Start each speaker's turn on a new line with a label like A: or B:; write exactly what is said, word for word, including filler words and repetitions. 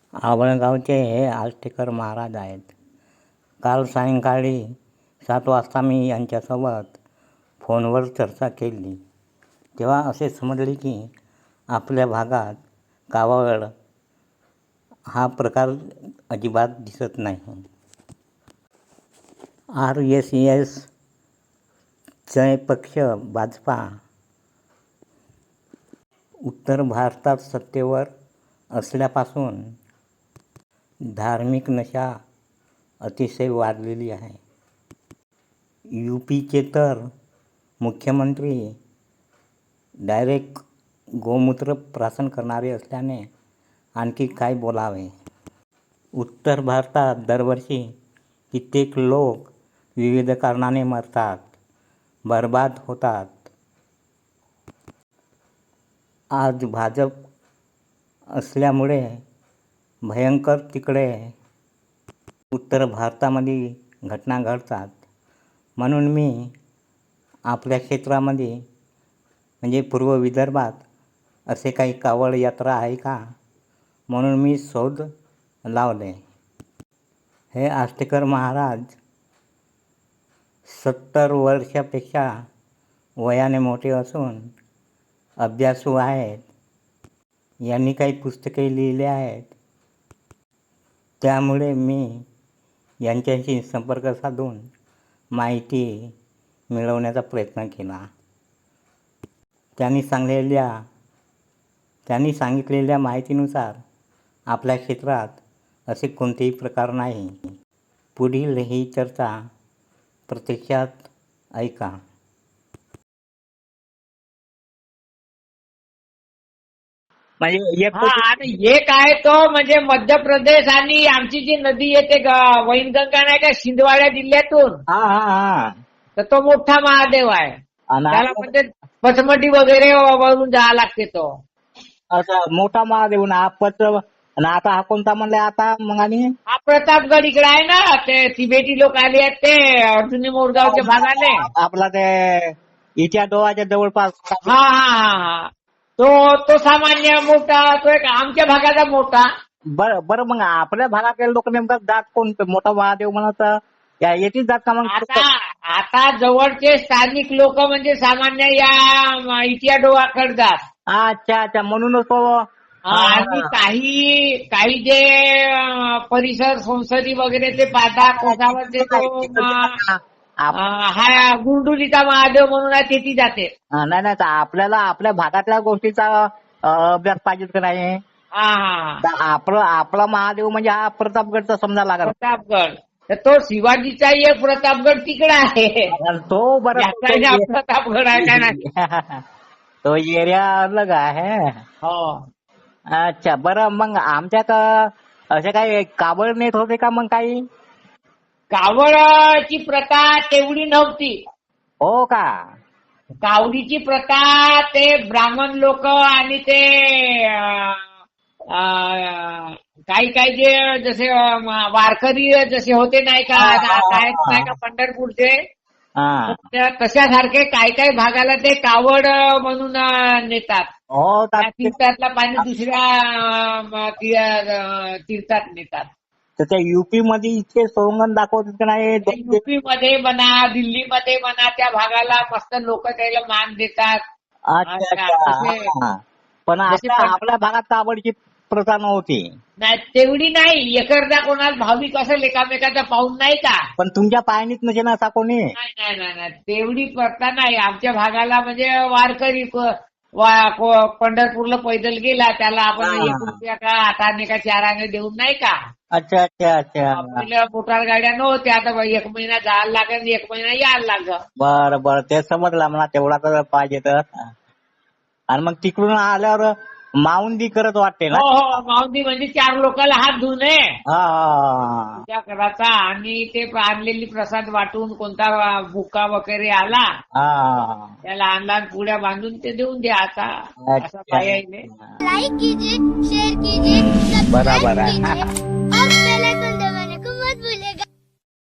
A: आवळगावचे हे आष्टेकर महाराज आहेत. काल सायंकाळी सात वाजता मी यांच्यासोबत फोनवर चर्चा केली तेव्हा असे समजले की आपल्या भागात कावड हा प्रकार अजिबात दिसत नाही. आर एस एसचे पक्ष भाजपा उत्तर भारतात सत्तेवर असल्यापासून धार्मिक नशा अतिशय वाढलेली आहे. यू पीचे तर मुख्यमंत्री डायरेक्ट गोमूत्र प्राशन करणारे असल्याने आणखी काय बोलावे. उत्तर भारतात दरवर्षी कित्येक लोक विविध कारणाने मरतात, बर्बाद होतात. आज भाजप असल्यामुळे भयंकर तिकडे उत्तर भारतामध्ये घटना घडतात. म्हणून मी आपल्या क्षेत्रामध्ये म्हणजे पूर्व विदर्भात असे काही कावड यात्रा आहे का म्हणून मी शोध लावले. हे आष्टेकर महाराज सत्तर वर्षापेक्षा वयाने मोठे असून अभ्यासू आहेत. यांनी काही पुस्तके लिहिली आहेत. त्यामुळे मी यांच्याशी संपर्क साधून माहिती मिळवण्याचा प्रयत्न केला. त्यांनी सांगलेल्या त्यांनी सांगितलेल्या माहितीनुसार आपल्या क्षेत्रात असे कोणतेही प्रकार नाही. पुढील ही चर्चा प्रत्यक्षात ऐका.
B: म्हणजे एक
C: हा आणि एक आहे तो म्हणजे मध्य प्रदेश आणि आमची जी नदी येते ग- वैनगंगा नाही का शिंदवाडा जिल्ह्यातून,
B: हा हा हा
C: तर तो मोठा महादेव आहे.
B: आणि
C: त्याला
B: आपला-
C: म्हणजे पचमटी वगैरे वरून जावं लागते तो.
B: असं मोठा महादेव ना पत्र. आणि आता हा कोणता म्हणले आता मग? आणि
C: हा प्रतापगड इकडे आहे ना, ते तिबेटी लोक आले आहेत ते अर्जुनी मोरगावच्या भागाने.
B: आपला ते इच्या डोळ्याच्या जवळपास.
C: हा हा हा हा तो तो सामान्य मोठा, तो एक आमच्या भागाचा मोठा.
B: बरं बरं मग आपल्या भागातले लोक नेमका जात कोण मोठा महादेव म्हणत या येतीच जात का मग?
C: आता आता जवळचे स्थानिक लोक म्हणजे सामान्य या इटिया डोळाकडे जात.
B: अच्छा अच्छा म्हणूनच तो.
C: आणि काही काही जे अं, परिसर संसदी वगैरे ते पाहता कोसावरचे तो अं, हा गुंडुलीचा महादेव म्हणून आहे, तेथी जाते.
B: नाही नाही तर आपल्याला आपल्या भागातल्या गोष्टीचा अं, अभ्यास पाहिजे का नाही?
C: हा हा
B: तर आपलं आपला महादेव म्हणजे हा प्रतापगडचा समजा लागला.
C: प्रतापगड तर तो शिवाजीचा एक प्रतापगड तिकडे आहे.
B: तो बरं
C: याचा या प्रतापगड आहे का नाही?
B: तो एरिया अलग आहे.
C: हो.
B: अच्छा बरं मग आमच्यात असे काही कावड नेत होते का मग काही?
C: कावडची प्रथा तेवढी नव्हती.
B: हो का?
C: कावडीची प्रथा ते ब्राह्मण लोक आणि ते अं, अं, काही काही जे जसे अं, वारकरी जसे होते नाही का, काय नाही का पंढरपूरचे,
B: हा.
C: त्या तशासारखे काही काही भागाला ते कावड म्हणून अं, नेतात.
B: हो
C: त्या
B: तर
C: तीर्थातलं पाणी दुसऱ्या अं, ती- तीर्थात नेतात.
B: त्या युपी मध्ये इतके सोंगण दाखवतात का नाही?
C: युपी मध्ये म्हणा, दिल्लीमध्ये म्हणा, त्या भागाला मस्त लोक त्याला मान देतात.
B: अच्छा अच्छा हा. पण
C: जसे
B: आपल्या
C: पण-
B: आपल्या भागात कावडची प्रथा नव्हती.
C: नाही तेवढी नाही. एकरदा कोणाला भाविक असं एकामेकाचा पाहून नाही का.
B: पण तुमच्या पायनीत नसे ना असा कोणी?
C: नाही नाही नाही नाही तेवढी प्रथा नाही आमच्या भागाला. म्हणजे वारकरी क- वा- को- पंढरपूरला पैदल गेला त्याला आपण
B: हा.
C: एक रुपया का हाताने का चार आणे देऊन नाही का.
B: अच्छा अच्छा अच्छा.
C: पहिल्या मोटार गाड्या नव्हत्या. आता एक महिना जायला लागेल, एक महिना यायला लागल.
B: बरं बरं ते समजलं मला. तेवढा तर पाहिजे तर. आणि मग तिकडून आल्यावर माऊंदी करत वाटते ना?
C: हो हो माऊंदी म्हणजे चार लोकांना हात धुणे
B: हा हा
C: पूजा करायचा आणि ते आणलेली प्रसाद वाटून कोणता बुका वगैरे आला
B: हा.
C: त्याला लहान लहान पुड्या बांधून ते देऊन द्यायचा. असं पाहिजे.
B: अच्छा.
D: लाइक कीजिए, शेयर कीजिए,
B: बराबर
D: सब्सक्राइब
B: आहे.
D: कीजिए.